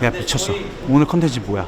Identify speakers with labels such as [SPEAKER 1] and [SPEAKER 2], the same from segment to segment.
[SPEAKER 1] 야 미쳤어. 오늘 컨텐츠 뭐야?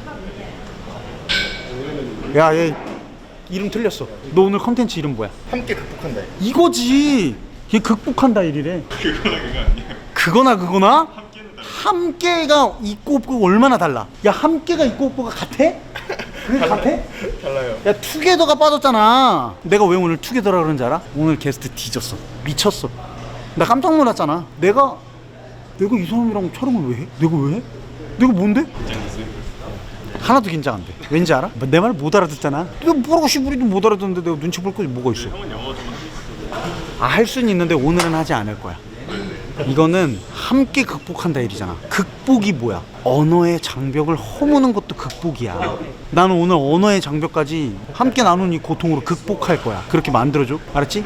[SPEAKER 1] 야 얘 이름 틀렸어. 너 오늘 컨텐츠 이름 뭐야?
[SPEAKER 2] 함께 극복한다.
[SPEAKER 1] 이거지. 얘 극복한다 일이래.
[SPEAKER 2] 그거나 그거 아니야?
[SPEAKER 1] 그거나 그거나? 함께가 있고 없고 얼마나 달라? 야 함께가 있고 없고가 같아? 그게 같아?
[SPEAKER 2] 달라요.
[SPEAKER 1] 야 투게더가 빠졌잖아. 내가 왜 오늘 투게더라 그런지 알아? 오늘 게스트 뒤졌어. 미쳤어. 나 깜짝 놀랐잖아. 내가 이 사람이랑 촬영을 왜 해? 내가 왜 해? 내가 뭔데?
[SPEAKER 2] 긴장했어요?
[SPEAKER 1] 하나도 긴장 안 돼. 왠지 알아? 내 말 못 알아듣잖아. 내가 뭐라고 시부리도 못 알아듣는데 내가 눈치 볼 것이 뭐가 있어?
[SPEAKER 2] 형은 영어 좀 하셨어요?
[SPEAKER 1] 할 수는 있는데 오늘은 하지 않을 거야. 이거는 함께 극복한다 일이잖아. 극복이 뭐야? 언어의 장벽을 허무는 것도 극복이야. 나는 오늘 언어의 장벽까지 함께 나눈 이 고통으로 극복할 거야. 그렇게 만들어줘. 알았지?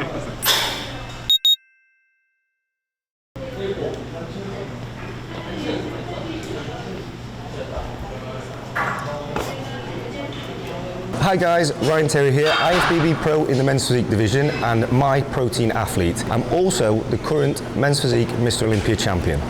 [SPEAKER 3] Hi guys, Ryan Terry here, IFBB Pro in the Men's Physique division and My Protein Athlete. I'm also the current Men's Physique Mr. Olympia champion.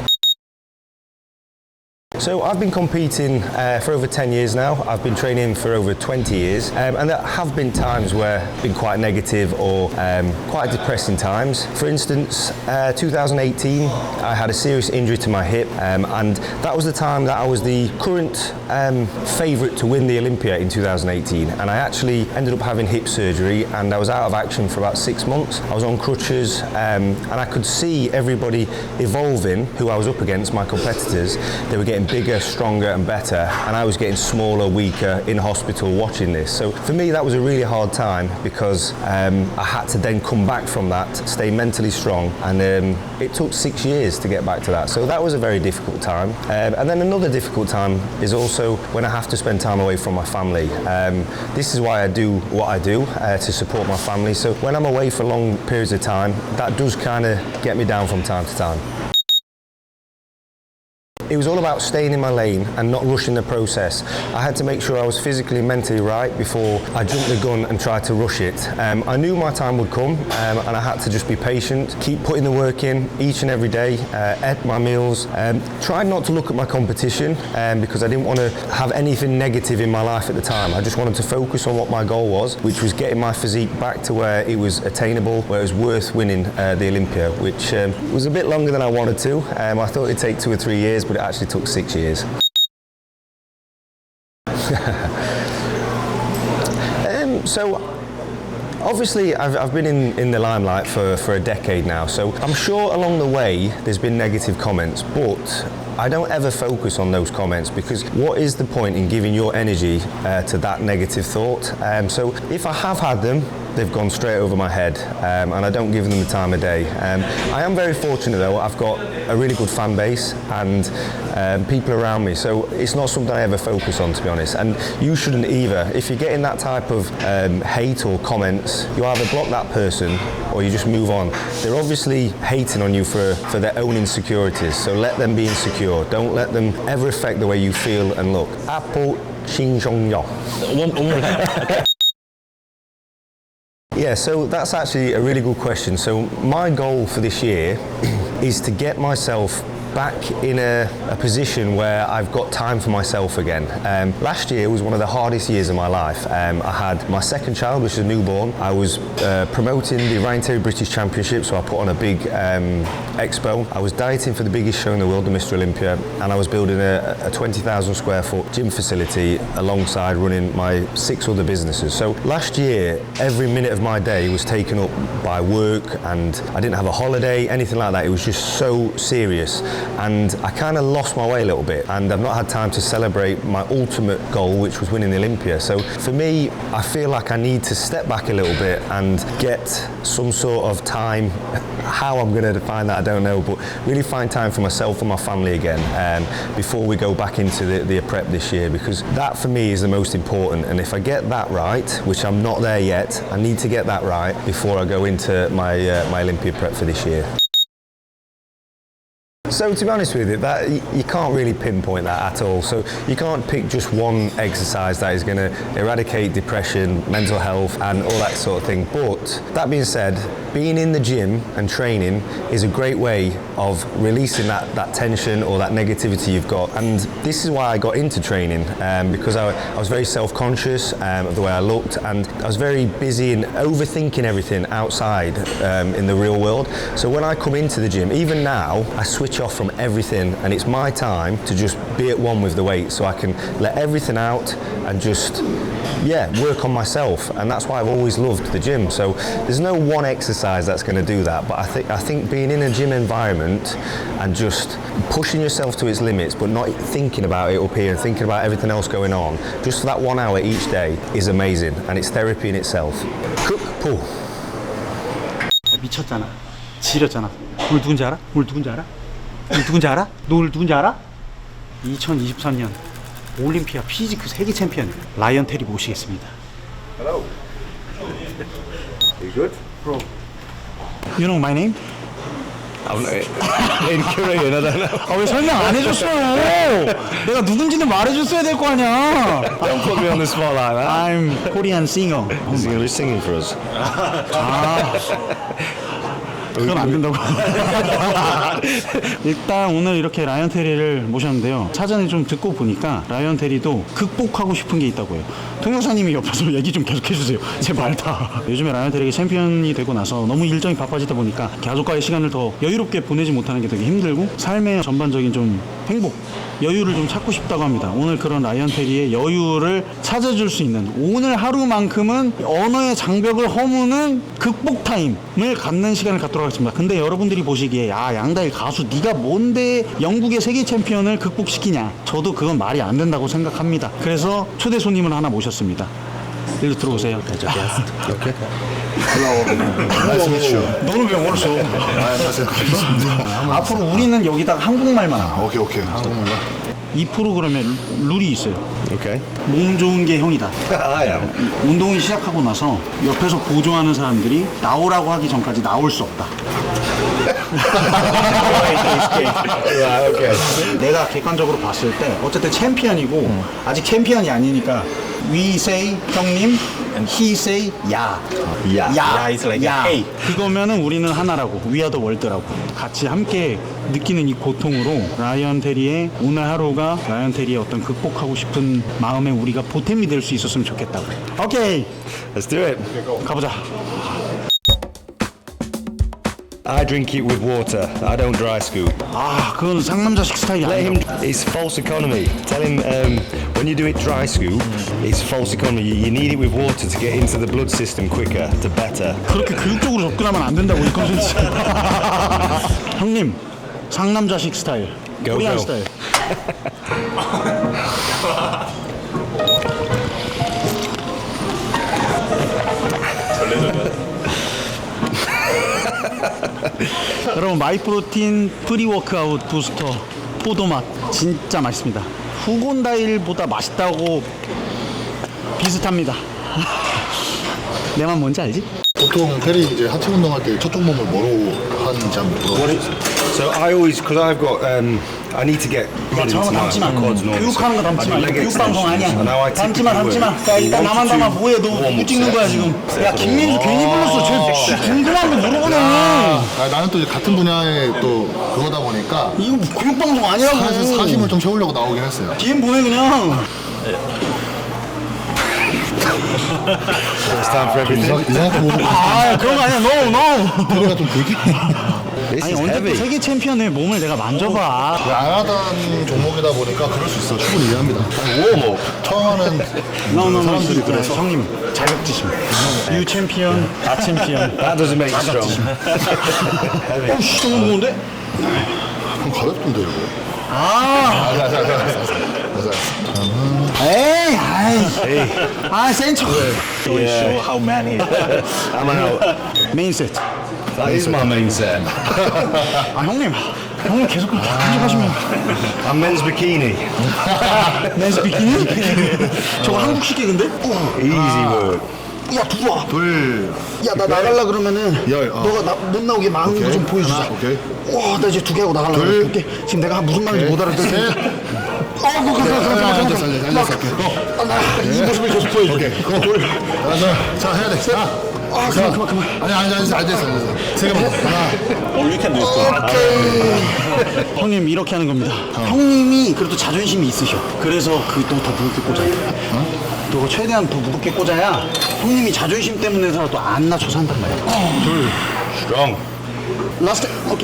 [SPEAKER 3] So I've been competing for over 10 years now. I've been training for over 20 years and there have been times where I've been quite negative or quite depressing times. For instance, 2018 I had a serious injury to my hip and that was the time that I was the current favourite to win the Olympia in 2018, and I actually ended up having hip surgery and I was out of action for about 6 months. I was on crutches and I could see everybody evolving who I was up against, my competitors. They were getting bigger, stronger and better, and I was getting smaller, weaker in hospital watching this. So for me that was a really hard time because I had to then come back from that, stay mentally strong, and it took 6 years to get back to that. So that was a very difficult time. And then another difficult time is also when I have to spend time away from my family. This is why I do what I do, to support my family. So when I'm away for long periods of time, that does kind of get me down from time to time. It was all about staying in my lane and not rushing the process. I had to make sure I was physically and mentally right before I jumped the gun and tried to rush it. I knew my time would come and I had to just be patient, keep putting the work in each and every day, ate my meals, tried not to look at my competition because I didn't want to have anything negative in my life at the time. I just wanted to focus on what my goal was, which was getting my physique back to where it was attainable, where it was worth winning the Olympia, which was a bit longer than I wanted to. I thought it'd take 2 or 3 years, but it actually took 6 years. So obviously I've been in the limelight for a decade now, so I'm sure along the way there's been negative comments, but I don't ever focus on those comments because what is the point in giving your energy to that negative thought? So if I have had them, they've gone straight over my head and I don't give them the time of day. I am very fortunate though, I've got a really good fan base and people around me, so it's not something I ever focus on, to be honest, and you shouldn't either. If you're getting that type of hate or comments, you either block that person or you just move on. They're obviously hating on you for their own insecurities, so let them be insecure. Don't let them ever affect the way you feel and look. Apple Shinjongyo. Yeah, so that's actually a really good question. So my goal for this year is to get myself back in a position where I've got time for myself again. Last year was one of the hardest years of my life. I had my second child, which is a newborn. I was promoting the Ryan Terry British Championship, so I put on a big expo. I was dieting for the biggest show in the world, the Mr. Olympia, and I was building a 20,000 square foot gym facility alongside running my 6 other businesses. So last year, every minute of my day was taken up by work and I didn't have a holiday, anything like that. It was just so serious. And I kind of lost my way a little bit and I've not had time to celebrate my ultimate goal, which was winning the Olympia. So for me, I feel like I need to step back a little bit and get some sort of time. How I'm going to define that, I don't know, but really find time for myself and my family again before we go back into the prep this year, because that for me is the most important. And if I get that right, which I'm not there yet, I need to get that right before I go into my Olympia prep for this year. So to be honest with you, that you can't really pinpoint that at all. So you can't pick just one exercise that is going to eradicate depression, mental health, and all that sort of thing. But that being said, being in the gym and training is a great way of releasing that tension or that negativity you've got. And this is why I got into training, because I was very self-conscious of the way I looked, and I was very busy and overthinking everything outside in the real world. So when I come into the gym, even now, I switch off from everything, and it's my time to just be at one with the weight, so I can let everything out and just work on myself. And that's why I've always loved the gym. So there's no one exercise that's going to do that, but I think being in a gym environment and just pushing yourself to its limits, but not thinking about it up here and thinking about everything else going on, just for that 1 hour each day is amazing, and it's therapy in itself. Cook pull.
[SPEAKER 1] 미쳤잖아. 지렸잖아. 오늘 누군지 알아? 오늘 누군지 알아? 오늘 누군지 알아? 너 오늘 누군지 알아? 2023년 올림피아 피지크 세계 챔피언 라이언 테리 모시겠습니다.
[SPEAKER 2] Hello. You good?
[SPEAKER 1] Bro. You know my name?
[SPEAKER 3] I'm in Korean, I don't know.
[SPEAKER 1] 아, 왜 설명 안 해줬어요? 내가 누군지는 말해줬어야 될 거 아니야.
[SPEAKER 3] Don't put me on the spot like that.
[SPEAKER 1] I'm Korean singer.
[SPEAKER 3] He's going to be singing for us.
[SPEAKER 1] 그건 안 된다고. 일단 오늘 이렇게 라이언 테리를 모셨는데요. 사전에 좀 듣고 보니까 라이언 테리도 극복하고 싶은 게 있다고요. 통역사님이 옆에서 얘기 좀 계속 해주세요. 제 말 다. 요즘에 라이언 테리가 챔피언이 되고 나서 너무 일정이 바빠지다 보니까 가족과의 시간을 더 여유롭게 보내지 못하는 게 되게 힘들고 삶의 전반적인 좀 행복, 여유를 좀 찾고 싶다고 합니다. 오늘 그런 라이언 테리의 여유를 찾아줄 수 있는 오늘 하루만큼은 언어의 장벽을 허무는 극복 타임을 갖는 시간을 갖도록 하겠습니다. 근데 여러분들이 보시기에 야 양다일 가수 네가 뭔데 영국의 세계 챔피언을 극복시키냐, 저도 그건 말이 안 된다고 생각합니다. 그래서 초대 손님을 하나 모셨습니다. 일로 들어오세요.
[SPEAKER 3] Okay.
[SPEAKER 2] Nice to meet you.
[SPEAKER 1] 너는 왜 멀었어?
[SPEAKER 2] 안녕하세요.
[SPEAKER 1] 앞으로 우리는 여기다가 한국말만 하고
[SPEAKER 2] 오케이. 한국말로.
[SPEAKER 1] 이 프로그램에 룰이 있어요.
[SPEAKER 3] Okay.
[SPEAKER 1] 몸 좋은 게 형이다.
[SPEAKER 3] I am.
[SPEAKER 1] 운동을 시작하고 나서 옆에서 보조하는 사람들이 나오라고 하기 전까지 나올 수 없다.
[SPEAKER 3] Right, okay.
[SPEAKER 1] 내가 객관적으로 봤을 때 어쨌든 챔피언이고 아직 챔피언이 아니니까 we say 형님, he say 야.
[SPEAKER 3] Yeah.
[SPEAKER 1] 야,
[SPEAKER 2] is like
[SPEAKER 1] 야.
[SPEAKER 2] hey.
[SPEAKER 1] 그거면은 우리는 하나라고, we are the world라고. 같이 함께 느끼는 이 고통으로 라이언 테리의 오늘 하루가 라이언 테리의 어떤 극복하고 싶은 마음에 우리가 보탬이 될 수 있었으면 좋겠다고. 오케이,
[SPEAKER 3] Let's do it.
[SPEAKER 1] 가보자.
[SPEAKER 3] I drink it with water. I don't dry scoop.
[SPEAKER 1] 아, 그건 상남자식 스타일이
[SPEAKER 3] Let him.
[SPEAKER 1] 아니야.
[SPEAKER 3] It's false economy. Tell him when you do it dry scoop, it's false economy. You need it with water to get into the blood system quicker, to better.
[SPEAKER 1] 그렇게 교육적으로 접근하면 안 된다고 이 컨텐츠. 형님, 상남자식 스타일,
[SPEAKER 3] Go,
[SPEAKER 1] 코리안
[SPEAKER 3] go.
[SPEAKER 1] 스타일. 여러분, 마이프로틴 프리워크아웃 부스터 포도맛 진짜 맛있습니다. 후곤다일보다 맛있다고 비슷합니다. 내 맘 뭔지 알지?
[SPEAKER 2] 보통 테리 이제 하체 운동할 때 첫쪽 몸을 뭐로 하는지 한번 물어보세요.
[SPEAKER 3] So I always, because I've got, I need to get blood into my quads and all.
[SPEAKER 1] 교육하는 거 담지 마.
[SPEAKER 3] I do leg
[SPEAKER 1] 교육 방송 아니야.
[SPEAKER 3] extensions, and now I
[SPEAKER 1] 담지 마,
[SPEAKER 3] typically
[SPEAKER 1] 담지 마. 야, 일단 나만 담아. 뭐해? 너 누구 찍는 거야 지금? 야, 김민수 괜히 불렀어. 쟤 궁금한 거 물어보네.
[SPEAKER 2] 나는 또 이제 같은 분야의 또 그거다 보니까
[SPEAKER 1] 이거 교육 방송 아니라고.
[SPEAKER 2] 사실 사심을 좀 채우려고 나오긴 했어요.
[SPEAKER 1] DM 보내 그냥.
[SPEAKER 3] It's time for everything.
[SPEAKER 2] 이상하게 보고
[SPEAKER 1] 아, 그런 거 아니야. No.
[SPEAKER 2] 테리가 좀 되게
[SPEAKER 3] This
[SPEAKER 1] 아니
[SPEAKER 3] is
[SPEAKER 1] 언제 또
[SPEAKER 3] heavy.
[SPEAKER 1] 세계 챔피언의 몸을 내가 만져봐.
[SPEAKER 2] 안 하던 종목이다 보니까 그럴 수 있어. 충분히 이해합니다. 웜업 처음 하는 사람들이 그래서
[SPEAKER 1] 형님 자격지심. 유 챔피언, 나 챔피언.
[SPEAKER 3] That doesn't make you strong.
[SPEAKER 1] 어, 씨, 너무 무거운데?
[SPEAKER 2] 그럼 가볍던데 이거.
[SPEAKER 1] 아,
[SPEAKER 2] 맞아요.
[SPEAKER 1] 에이, 아이, 센 척.
[SPEAKER 3] Yeah.
[SPEAKER 2] How many?
[SPEAKER 3] I'm out.
[SPEAKER 1] 메인 세트.
[SPEAKER 3] That is my main set.
[SPEAKER 1] 아 형님 계속 그렇게 간직하시면.
[SPEAKER 3] I'm men's bikini.
[SPEAKER 1] 맨스 비키니? 저거 한국식 개그인데?
[SPEAKER 3] Easy work.
[SPEAKER 1] 야 들어와.
[SPEAKER 2] 둘.
[SPEAKER 1] 야 나 나갈라 그러면은
[SPEAKER 2] 열,
[SPEAKER 1] 너가 못 나오게 막는 거
[SPEAKER 2] 오케이.
[SPEAKER 1] 좀 보여주자.
[SPEAKER 2] 하나, 오케이.
[SPEAKER 1] 와 나 이제 2개 하고 나갈라
[SPEAKER 2] 둘.
[SPEAKER 1] 그래. 오케이. 지금 내가 무슨 말인지 못 알아듣겠어.
[SPEAKER 2] 셋. 앉았어.
[SPEAKER 1] 나이 모습을 계속 보여줘.
[SPEAKER 2] 오케이. 고. 둘. 자, 해야 돼. 셋.
[SPEAKER 1] 그만.
[SPEAKER 2] 아니, 앉았어. 세 개만 더. 하나.
[SPEAKER 1] 형님 이렇게 하는 겁니다. 형님이 그래도 자존심이 있으셔. 그래서 너 더 무겁게 꽂아야 돼. 너가 최대한 더 무겁게 꽂아야 형님이 자존심 때문에서라도 안 낮춰서 한단 말이야.
[SPEAKER 2] 둘.
[SPEAKER 3] Strong.
[SPEAKER 1] 라스트. 오케이.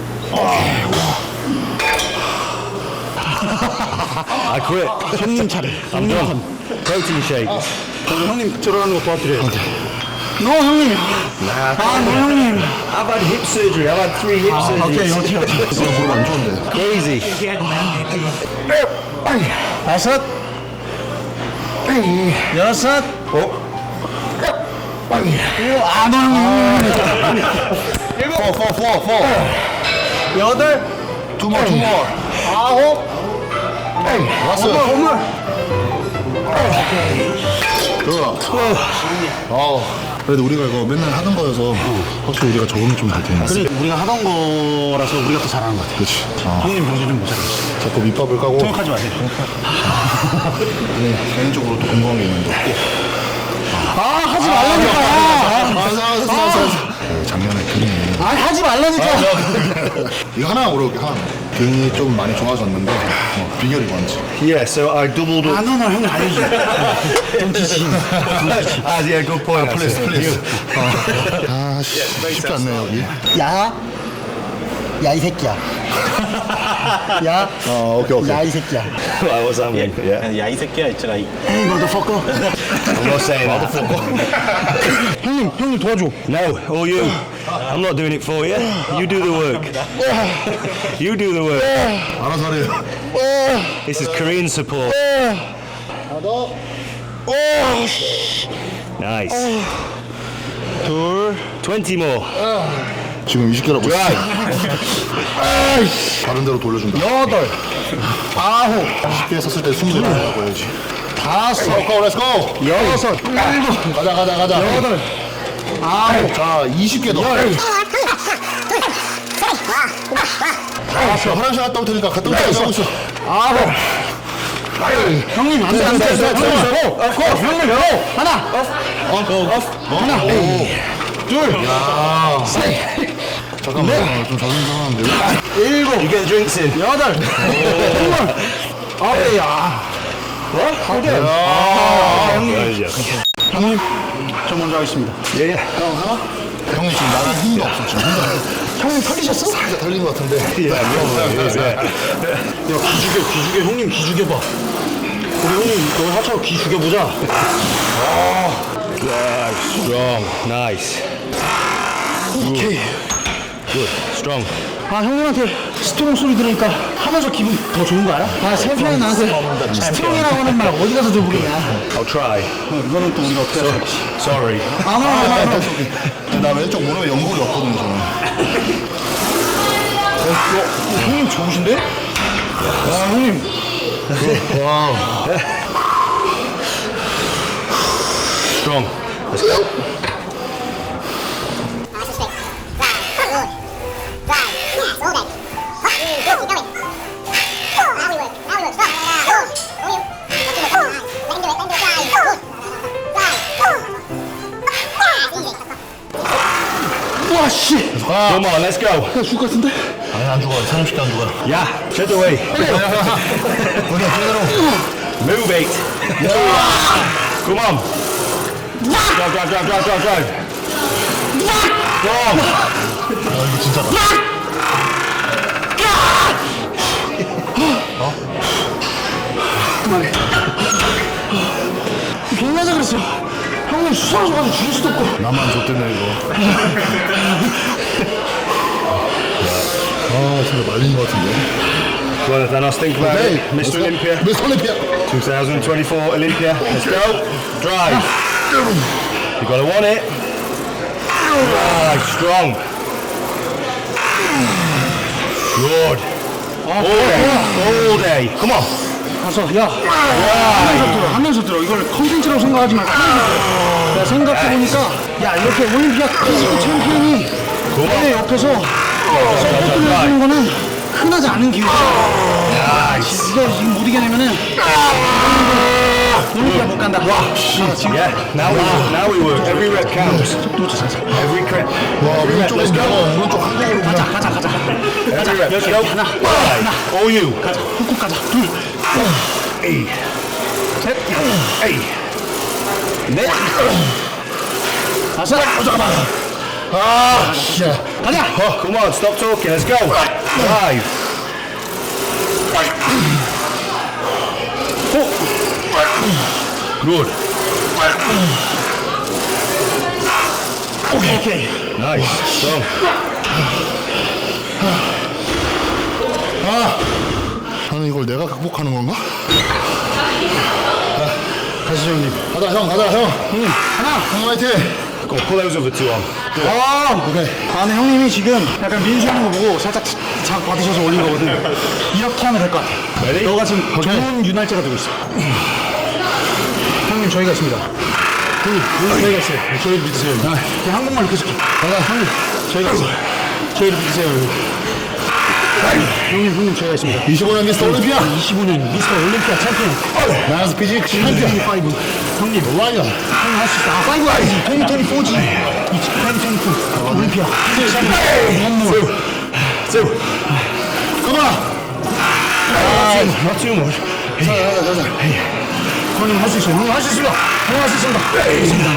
[SPEAKER 3] I quit.
[SPEAKER 1] 형님 차례.
[SPEAKER 3] I'm done. Protein shake.
[SPEAKER 1] 저는 형님 들어가는 거 도와드려요. 너 형님. 너 형님.
[SPEAKER 3] I've had hip surgery. I've had 3 hip surgeries.
[SPEAKER 1] 오케이.
[SPEAKER 2] 무릎 안 좋은데.
[SPEAKER 3] Easy.
[SPEAKER 1] 다섯. 여섯. 너 형님.
[SPEAKER 2] Four.
[SPEAKER 1] 여덟.
[SPEAKER 2] Two more.
[SPEAKER 1] 아홉.
[SPEAKER 2] 라스.
[SPEAKER 1] 오물.
[SPEAKER 2] 좋아. 그래도 우리가 이거 맨날 하던 거여서 확실히 우리가 적응이 좀 될 텐데.
[SPEAKER 1] 그래 우리가 하던 거라서 우리가 더 잘하는 것 같아.
[SPEAKER 2] 그렇지.
[SPEAKER 1] 형님 정신은 못 차리겠어.
[SPEAKER 2] 자꾸 밑밥을 까고.
[SPEAKER 1] 생각하지 마세요.
[SPEAKER 2] 개인적으로 또 궁금한 게 있는데.
[SPEAKER 1] 하지 말라니까.
[SPEAKER 2] 작년에 등이.
[SPEAKER 1] 하지 말라니까.
[SPEAKER 2] 이거 하나 물어볼게. 하나. 등이 좀 많이 좋아졌는데 비결이 뭔지.
[SPEAKER 3] Yeah, so I doubled up.
[SPEAKER 1] 너는 형님 알려줘.
[SPEAKER 3] Yeah, good point.
[SPEAKER 2] 플레이스. 쉽지 않네 여기.
[SPEAKER 1] 야 이 새끼야. 야
[SPEAKER 2] 오케이.
[SPEAKER 1] 야 이 새끼야.
[SPEAKER 3] What was that mean? Yeah.
[SPEAKER 4] 야 이 새끼야 있잖아.
[SPEAKER 1] 에이 motherfucker.
[SPEAKER 3] I'm not saying that.
[SPEAKER 1] 형님 도와줘.
[SPEAKER 3] No, or you. I'm not doing it for you. You do the work. You do the work.
[SPEAKER 2] 알아서 하래요.
[SPEAKER 3] This is Korean support. Nice. 20 more.
[SPEAKER 2] 지금 20개라고 했어. 다른 데로 돌려준다.
[SPEAKER 1] 여덟. 아홉.
[SPEAKER 2] 20개 썼을 때 20개 하라고 해야지.
[SPEAKER 1] 다섯.
[SPEAKER 2] 렛츠고.
[SPEAKER 1] 여섯. 일곱.
[SPEAKER 2] 가자.
[SPEAKER 1] 여덟. 아홉.
[SPEAKER 2] 자, 20개 더. 화장실 갔다 올 테니까 갔다 올 때까지 하고 있어.
[SPEAKER 1] 아홉. 형님 안돼. 형님 하나. 하나. 둘. 셋.
[SPEAKER 2] 잠깐만. 좀 자존심 상하는데.
[SPEAKER 1] 일곱.
[SPEAKER 3] You get the drinks in.
[SPEAKER 1] 여덟. 스물. 아홉. 야. 형님 저 먼저 하겠습니다.
[SPEAKER 3] Yeah.
[SPEAKER 2] 형님 지금 나랑 힘도 없어. 지금 혼자.
[SPEAKER 1] 형님 털리셨어?
[SPEAKER 2] 살짝 털린 것 같은데.
[SPEAKER 3] Yeah,
[SPEAKER 1] 야 기죽여 형님 기죽여봐. 우리 형님 너희 하차고 기죽여보자.
[SPEAKER 3] Strong. Nice.
[SPEAKER 1] 오케이.
[SPEAKER 3] Good. Strong.
[SPEAKER 1] 형님한테 스트롱 소리 들으니까 하면서 기분 더 좋은 거 알아? 챔피언이 나한테 스트롱이라고 하는 말 어디 가서 들어보겠냐.
[SPEAKER 3] I'll try.
[SPEAKER 1] 이거는 또 우리가 어떻게 해야 돼?
[SPEAKER 3] Sorry.
[SPEAKER 2] 나 왼쪽 무릎에 연골이 없거든요, 저는.
[SPEAKER 1] 형님 좋으신데? 형님.
[SPEAKER 2] 와우.
[SPEAKER 3] Strong. Let's go.
[SPEAKER 1] 와 씨.
[SPEAKER 3] Come on, let's go.
[SPEAKER 1] 죽을 것 같은데?
[SPEAKER 2] 아니, 안 죽어. 30개 안 죽어.
[SPEAKER 3] Yeah. Shut away. Move it. Come on. Go. Go.
[SPEAKER 2] 이거 진짜다.
[SPEAKER 1] 그만해. 괜찮아서 그랬어. 형님 수상해가지고 죽일 수도 없고.
[SPEAKER 2] 나만 줬대네, 이거. 진짜 말린 것 같은데.
[SPEAKER 3] Go on, Thanos. Think about it. Mr. Olympia.
[SPEAKER 2] 미스 올림피아.
[SPEAKER 3] 2024 Olympia. Let's go. Drive. You gotta want it. Right, strong. Good. All day. Come on.
[SPEAKER 1] 가서 야 하면서 들어 하면서 들어. 이걸 컨텐츠라고 생각하지 말고 하면서 들어. 내가 생각해보니까 야 이렇게 올림피아 피지컬 챔피언이 내 옆에서 서포트를 해주는 거는 흔하지 않은 기회야. 이거 지금 못 이겨내면은 올림피아 못 간다. 지금
[SPEAKER 3] Yeah, now we work. Every rep counts. Every rep.
[SPEAKER 2] 와, 왼쪽에서 오른쪽 한쪽으로
[SPEAKER 1] 가자
[SPEAKER 2] 그냥.
[SPEAKER 1] 가자 가자 가자.
[SPEAKER 3] Every rep.
[SPEAKER 1] 여기
[SPEAKER 3] Go.
[SPEAKER 1] 하나
[SPEAKER 3] All you.
[SPEAKER 1] 가자. 훅훅 가자. 둘
[SPEAKER 3] Hey.
[SPEAKER 1] 셋.
[SPEAKER 3] Hey.
[SPEAKER 1] 넷. 다섯.
[SPEAKER 2] 아, 씨.
[SPEAKER 1] 가자.
[SPEAKER 3] Come on, stop talking. Let's go. 5. Good.
[SPEAKER 1] 오케이.
[SPEAKER 3] Nice. Strong.
[SPEAKER 2] 나는 이걸 내가 극복하는 건가?
[SPEAKER 1] 가시죠 형님.
[SPEAKER 2] 가자, 형, 가자, 형.
[SPEAKER 1] 하나.
[SPEAKER 2] 형 화이팅!
[SPEAKER 3] Go. Pull those other two on.
[SPEAKER 1] 아,
[SPEAKER 2] 오케이.
[SPEAKER 1] 근데 형님이 지금 약간 민수하는 거 보고 살짝 작 받으셔서 올린 거거든. 이렇게 하면 될 것 같아.
[SPEAKER 3] Ready?
[SPEAKER 1] 너가 지금 좋은 유날짜가 되고 있어. 형님 저희가 있습니다. 형님 저희가 있어요. 저희 믿으세요. 그냥 한국말 이렇게 쓸게. 형님 저희가 있어요. 저희를 믿으세요. 형님 저희가 있습니다.
[SPEAKER 2] 25년 미스터 올림피아!
[SPEAKER 1] 25년 미스터 올림피아 챔피언.
[SPEAKER 2] 나이스 피지 챔피언!
[SPEAKER 1] 25. 형님
[SPEAKER 2] 라이언!
[SPEAKER 1] 형님 할 수 있어. 아, 5 아니지. 2024지. 2024 올림피아.
[SPEAKER 3] Two.
[SPEAKER 2] 컴온!
[SPEAKER 3] Not too much.
[SPEAKER 2] 가자, 가자.
[SPEAKER 1] 형님 할 수 있어요. 형님 할 수 있습니다. 형님 할 수 있습니다.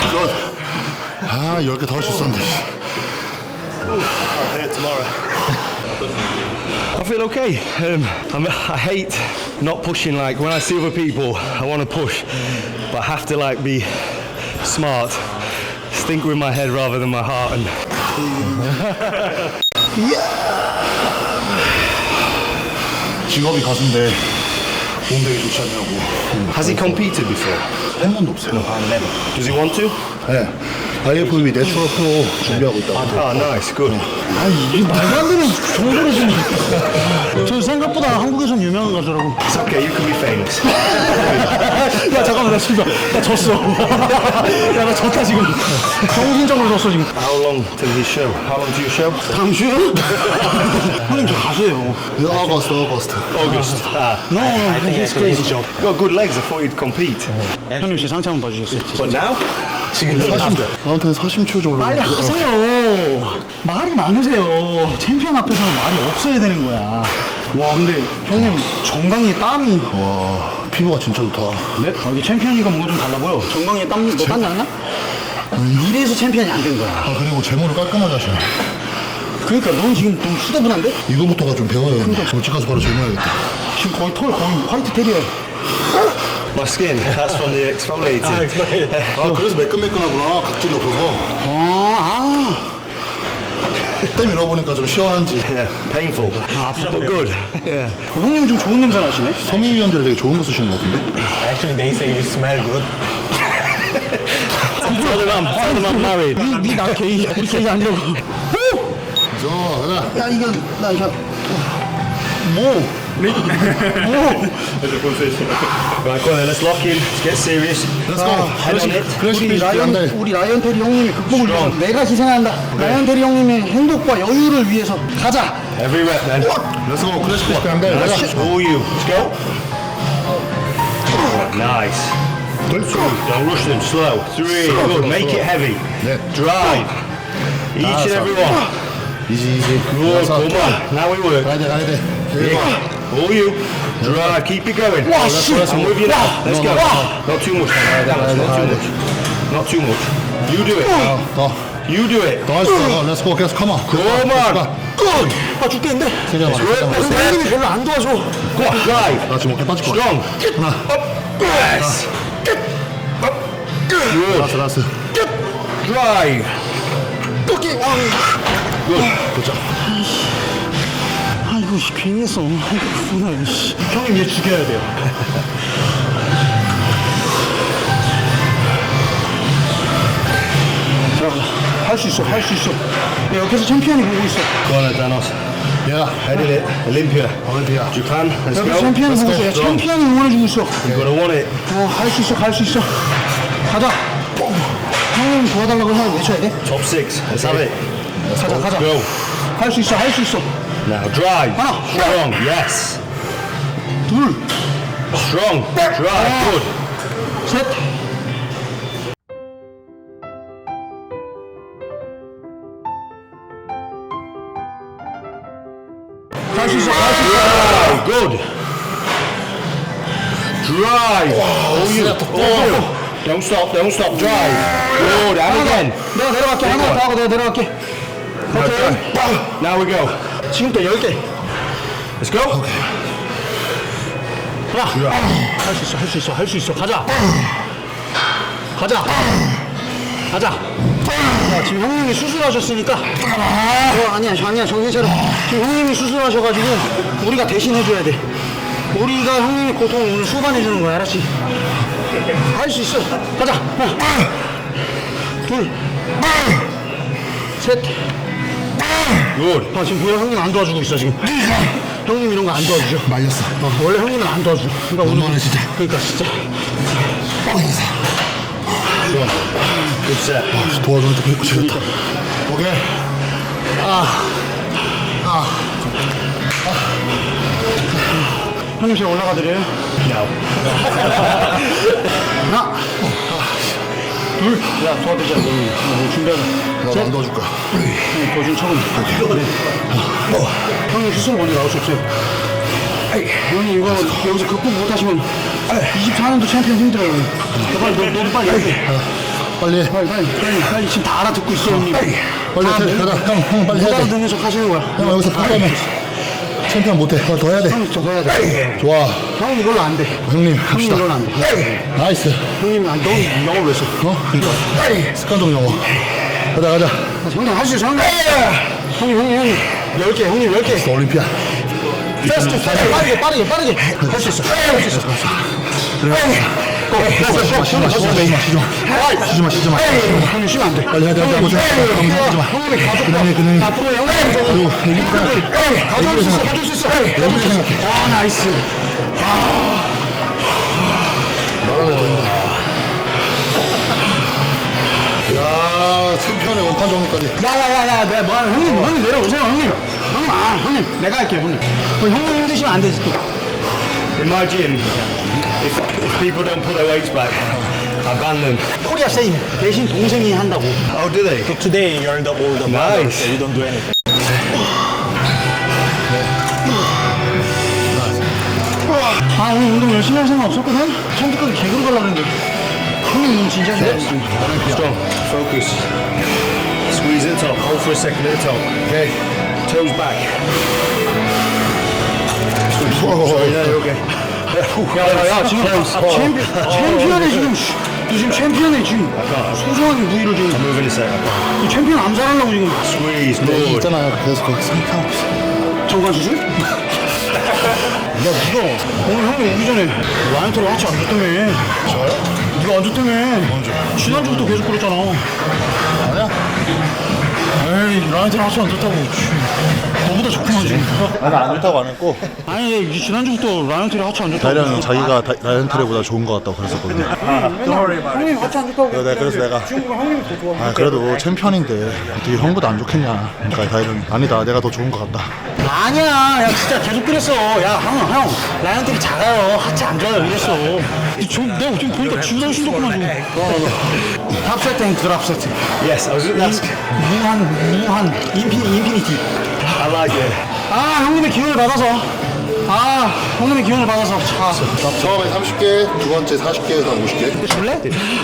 [SPEAKER 2] 아, 10개 더 할 수 있었는데.
[SPEAKER 3] I feel okay. I hate not pushing. Like when I see other people, I want to push, but I have to like be smart, think with my head rather than my heart. And
[SPEAKER 2] 직업이 가수인데 몸되게 좋지 않냐고.
[SPEAKER 3] has he competed before?
[SPEAKER 2] 한 번도 없어요.
[SPEAKER 3] Does he want to?
[SPEAKER 2] 네. IFBB 내추럴 프로 준비하고 있다고.
[SPEAKER 3] Oh, nice, good.
[SPEAKER 1] 아니 이게 말도 안 되는 정보를 좀. 저 생각보다 한국에선 유명한 가수라고.
[SPEAKER 3] It's okay. You can be famous.
[SPEAKER 1] 야 잠깐만 나 지금 나 졌어. 야 나 졌다 지금. 정신적으로 졌어 지금.
[SPEAKER 3] How long till his show? How long to your show?
[SPEAKER 1] 당신? 형님 저 가수예요.
[SPEAKER 2] 어거스트.
[SPEAKER 3] August.
[SPEAKER 1] No, he's crazy.
[SPEAKER 3] You got good legs. I thought you'd compete.
[SPEAKER 1] 형님 제 상체 한번 봐주셨어요.
[SPEAKER 3] But now?
[SPEAKER 2] 지금 나한테 사심초 정도.
[SPEAKER 1] 빨리 하세요. 말이 많으세요. 챔피언 앞에서는 말이 없어야 되는 거야. 와 근데 형님 정강이에 땀이.
[SPEAKER 2] 와, 피부가 진짜 좋다.
[SPEAKER 1] 네? 이게 챔피언이가 뭔가 좀 달라 보여. 정강이에 땀, 너 땀 나나? 이래서 챔피언이 안 된 거야.
[SPEAKER 2] 아, 그리고 제모를 깔끔하게 하시네.
[SPEAKER 1] 그러니까 넌 지금 좀 후대분한데?
[SPEAKER 2] 이거부터가 좀 배워야 돼. 집 가서 바로 제모해야겠다.
[SPEAKER 1] 지금 거의 털 거의 화이트 테리어.
[SPEAKER 3] My skin. That's from the exfoliating.
[SPEAKER 2] 아, 그래서 매끈매끈하구나. 각질이 없어서. 땀 밀어보니까 좀 시원한지.
[SPEAKER 3] Yeah, painful. But good. Yeah.
[SPEAKER 1] 형님 좀 좋은 냄새 나시네.
[SPEAKER 2] 섬유유연제를 되게 좋은 거 쓰시는 것 같은데?
[SPEAKER 4] Actually, they say you smell good.
[SPEAKER 3] Tell them I'm married.
[SPEAKER 1] 나 게이 우리 게이 아니라고.
[SPEAKER 2] 저, 가자.
[SPEAKER 1] 야 이거 나 이거
[SPEAKER 3] Right, go on then. Let's lock in. Let's get serious.
[SPEAKER 2] Let's go.
[SPEAKER 3] Head on it.
[SPEAKER 2] 클래식 피지 한 달.
[SPEAKER 1] 우리 라이언 테리 형님이 극복을 위해서 내가 희생한다. 라이언 테리 형님의 행복과 여유를 위해서 가자.
[SPEAKER 3] Every rep then.
[SPEAKER 2] Let's go. 클래식 피지 한 달. 가자.
[SPEAKER 3] All you. Let's go. Nice. Don't rush them. Slow. 3. Good. Make it heavy.
[SPEAKER 2] 네.
[SPEAKER 3] Drive. Each and every one.
[SPEAKER 2] 이지.
[SPEAKER 3] Good. Come on. Now we work.
[SPEAKER 2] 가야 돼.
[SPEAKER 3] Yeah. All you. Drive. Keep it going. I'm with you now. Let's go. Not too much. Not too much. Not too much. You do it.
[SPEAKER 2] 더.
[SPEAKER 3] You do it.
[SPEAKER 2] 더 할 수 있어. Let's go. 계속 come on.
[SPEAKER 3] Come on. Good.
[SPEAKER 1] 아 죽겠는데.
[SPEAKER 2] 세 개만.
[SPEAKER 1] 근데 형님이 별로 안 도와줘.
[SPEAKER 3] Go on. Drive.
[SPEAKER 2] 나 지금 어깨 빠질 것 같아.
[SPEAKER 3] Strong.
[SPEAKER 2] 하나.
[SPEAKER 3] Yes. Good.
[SPEAKER 2] 라스.
[SPEAKER 3] Drive.
[SPEAKER 1] 오케이.
[SPEAKER 3] Good.
[SPEAKER 2] 그렇죠.
[SPEAKER 1] 아이고 괜히 했어. 아이고 씨. 형님 얘 죽여야 돼요. 자, 할 수 있어. 야, 옆에서 챔피언이 보고 있어.
[SPEAKER 3] Go on, Danos.
[SPEAKER 2] Yeah,
[SPEAKER 3] I did it. Olympia.
[SPEAKER 2] Olympia.
[SPEAKER 3] Japan. Let's
[SPEAKER 1] 여기
[SPEAKER 3] go.
[SPEAKER 1] 챔피언이 보고 있어. 야,
[SPEAKER 3] Strong.
[SPEAKER 1] 챔피언이 응원해주고 있어.
[SPEAKER 3] You're gonna want it.
[SPEAKER 1] 할 수 있어, 갈 수 있어. 가자. 형님 도와달라고 하면 외쳐야 돼.
[SPEAKER 3] Top 6. Let's have it.
[SPEAKER 1] 가자, 가자.
[SPEAKER 3] Go.
[SPEAKER 1] 할 수 있어, 할 수 있어.
[SPEAKER 3] Now drive.
[SPEAKER 1] 하나.
[SPEAKER 3] Strong. Yes.
[SPEAKER 1] 둘,
[SPEAKER 3] Strong. Drive. Good.
[SPEAKER 1] 셋. 갈 수 있어, 갈 수 있어.
[SPEAKER 3] Oh, good. Drive. Don't stop. Don't stop. Drive. Good. And again.
[SPEAKER 1] 내가 내려갈게. 하나 더 하고 내가 내려갈게.
[SPEAKER 3] Now
[SPEAKER 1] 오케이.
[SPEAKER 3] drive. Now we go.
[SPEAKER 1] 지금부터 10개.
[SPEAKER 3] Let's go.
[SPEAKER 1] 야, 할 수 있어, 할 수 있어, 할 수 있어. 가자. 가자. 가자. 야, 지금 형님이 수술하셨으니까. 아니야, 아니야, 정신 차려. 지금 형님이 수술하셔가지고 우리가 대신 해줘야 돼. 우리가 형님의 고통을 오늘 수반해주는 거야, 알았지? 할 수 있어. 가자. 하나, 둘, 셋.
[SPEAKER 3] Good.
[SPEAKER 1] 아, 지금 보여 형님 안 도와주고 있어 지금. 형님 이런 거 안 도와주죠.
[SPEAKER 2] 말렸어.
[SPEAKER 1] 원래 형님은 안 도와줘. 그러니까
[SPEAKER 2] 너무하네, 진짜.
[SPEAKER 1] 그러니까 진짜.
[SPEAKER 3] Good set.
[SPEAKER 2] 도와주는데 배고 지렸다. 오케이.
[SPEAKER 1] 형님 제가 올라가 드려요.
[SPEAKER 3] No.
[SPEAKER 1] 하나, 둘, 야 도와드리자. 너 준비하자.
[SPEAKER 2] 나도 안 도와줄 거야.
[SPEAKER 1] 형님 도와준 척은. 형님 스스로 먼저 나올 수 없어요. 형님 이거 여기서 극복 못하시면 24년도 챔피언 힘들어요. 빨리 너도 빨리 해.
[SPEAKER 2] 빨리.
[SPEAKER 1] 빨리 지금 다 알아듣고 있어 형님.
[SPEAKER 2] 빨리 해. 가자. 형 빨리
[SPEAKER 1] 못
[SPEAKER 2] 해야 돼.
[SPEAKER 1] 알아듣는 척 하시는 거야.
[SPEAKER 2] 형 여기서 포기하면 챔피언 못해. 하나 더 해야 돼.
[SPEAKER 1] 형님 저거 해야 돼.
[SPEAKER 2] 좋아.
[SPEAKER 1] 형님 이걸로 안 돼.
[SPEAKER 2] 형님
[SPEAKER 1] 형님
[SPEAKER 2] 합시다.
[SPEAKER 1] 이걸로 안 돼.
[SPEAKER 2] 나이스.
[SPEAKER 1] 형님 너 영어 왜 써?
[SPEAKER 2] 그러니까 습관적 영어. 가자.
[SPEAKER 1] 형님 할 수 있어 형님. 형님 10개 형님 10개.
[SPEAKER 2] 올림피아.
[SPEAKER 1] 패스트 빠르게 할 수 있어.
[SPEAKER 2] 쉬지 마.
[SPEAKER 1] 형님 쉬면 안 돼.
[SPEAKER 2] 빨리 해야 돼. 하고 좀. 쉬지 마.
[SPEAKER 1] 형님이 가족
[SPEAKER 2] 그냥.
[SPEAKER 1] 앞으로 형님 가져올 수 있어. 아 나이스.
[SPEAKER 2] 야, 챔피언의 원판 정리까지.
[SPEAKER 1] 야야야야 내가 뭐 형님 내려오세요 형님. 형님 내가 할게요 형님. 형님 힘드시면 안 되지 또.
[SPEAKER 3] In my gym, if people don't put their weights back, I ban them.
[SPEAKER 1] 코리아 세임 대신 동생이 한다고.
[SPEAKER 3] Oh, do they?
[SPEAKER 4] Today you're the older brother,
[SPEAKER 3] Nice.
[SPEAKER 4] so you don't do anything.
[SPEAKER 1] 아 오늘 운동 열심히 할 생각 없었거든? 처음부터 개그로 가려고 했는데 형님 너무 진지하시네.
[SPEAKER 3] Strong. Focus. Squeeze at the top. Hold for a second at the top. Okay. Toes back. Sorry, no, you're okay.
[SPEAKER 1] 야야야 지금 챔피언에 지금 너 지금 챔피언에 지금 소중하게 무기를 지금
[SPEAKER 3] Move in a second.
[SPEAKER 1] 이 챔피언 암살하려고 지금
[SPEAKER 3] Squeeze. Good.
[SPEAKER 2] 있잖아요. 그래서 거기 상관없어 있어.
[SPEAKER 1] 정관 수술? 야 니가 오늘 형님 오기 전에 라이언트를 같이 안 줬다며.
[SPEAKER 2] 저요?
[SPEAKER 1] 니가 안 줬다며. 지난주부터 계속 그랬잖아.
[SPEAKER 2] 아니야?
[SPEAKER 1] 에이 라이언트를 같이 안 줬다고. 너보다 좋구만 지금.
[SPEAKER 2] 아니 안 좋다고 안 했고
[SPEAKER 1] 아니 지난주부터 라이언트를 같이 안 줬다고.
[SPEAKER 2] 다이랑 자기가 라이언 트레보다 좋은 것 같다고 그랬었거든요.
[SPEAKER 1] 형님 같이 안 줬다고.
[SPEAKER 2] 그래서 내가
[SPEAKER 1] 지금 형님이 더 좋아.
[SPEAKER 2] 아 그래도 챔피언인데 어떻게 형보다 안 좋겠냐. 그러니까 다이는 아니다. 내가 더 좋은 것 같다.
[SPEAKER 1] 아니야, 야 진짜 계속 그랬어. 야 형, 라이언들이 작아요. 하체 안 좋아요. 이랬어. 내가 지금 보니까 지우다 훨씬 좋구만 지금. 탑 세트, 드랍 세트.
[SPEAKER 3] Yes, I was. That's.
[SPEAKER 1] 무한, 인피니티.
[SPEAKER 3] I like it.
[SPEAKER 1] 아 형님의 기운을 받아서. 형님의 기운을 받아서.
[SPEAKER 2] 처음에 30개, 두 번째 40개, 다음 50개.
[SPEAKER 1] 줄래?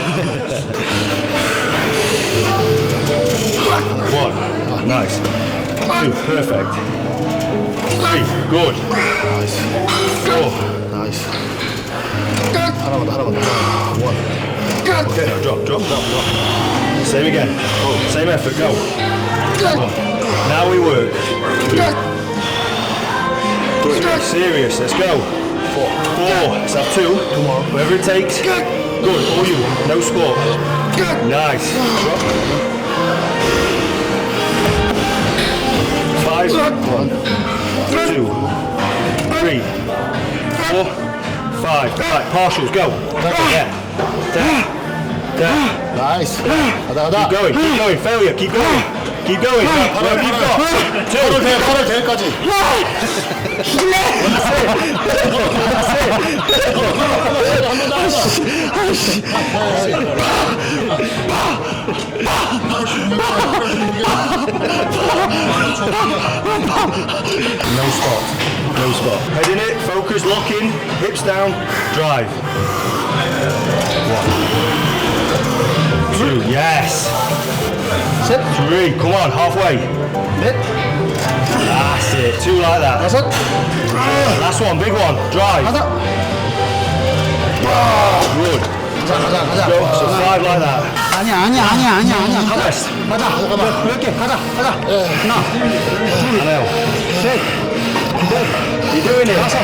[SPEAKER 3] One. Nice. Two. Perfect. Three. Good. Four.
[SPEAKER 2] 나이스. 하나만 더. 원.
[SPEAKER 3] Okay, now drop. Same again. Same effort, go. One. Now we work. Two. Three. Serious, let's go. Four. Let's have two. Two more. Whatever it takes. Good, all you. No sport. Nice. Drop. 5.
[SPEAKER 4] 2, 3, 4, 5. Right, partials, go. Yeah. Down.
[SPEAKER 2] 나이스. 가다.
[SPEAKER 4] Keep going, failure, keep going. Keep going. Whatever you've got.
[SPEAKER 2] 8월 대회까지.
[SPEAKER 4] No spot. No spot. Head in it, focus, lock in, hips down, drive. 1, 2, yes.
[SPEAKER 1] 셋,
[SPEAKER 4] 3, come on, halfway.
[SPEAKER 1] 넷,
[SPEAKER 4] That's it, 2 like that.
[SPEAKER 1] 다섯,
[SPEAKER 4] Last one, big one, drive.
[SPEAKER 1] 하나.
[SPEAKER 4] Good.
[SPEAKER 1] 가자.
[SPEAKER 4] Go, so 5 like that.
[SPEAKER 1] 아니야. 가자.
[SPEAKER 4] Rest.
[SPEAKER 1] 가자. 몇 개? 가자. 하나,
[SPEAKER 4] Anel.
[SPEAKER 1] 셋,
[SPEAKER 4] You're doing it.
[SPEAKER 1] 여섯,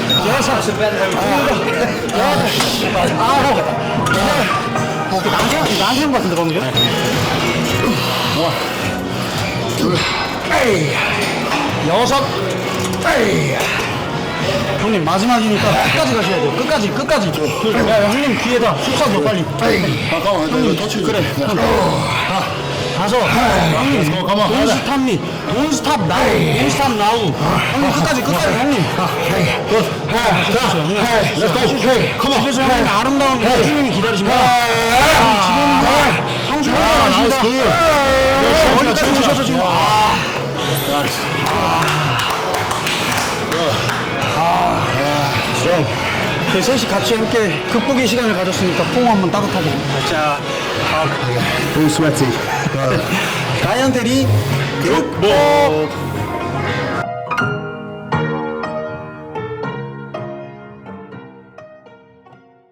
[SPEAKER 1] 아홉. 나한테 한것 같은데 방금 전? 여섯. 형님 마지막이니까 끝까지 가셔야 돼요. 끝까지. 야 형님 뒤에다 속삭여 빨리.
[SPEAKER 2] 잠깐만, 형님 터치. 그래.
[SPEAKER 1] 다섯. 형님 돈스탑 나우. 형님 끝까지 형님. 그래서 형님 아름다운 형님이 기다리십니다. 지금 형수 기다리십니다. 어디까지 오셔서 지금 저희 셋이 같이 함께 극복의 시간을 가졌으니까 포옹 한번 따뜻하게. 자,
[SPEAKER 4] All sweaty.
[SPEAKER 1] 다이언테리 극복.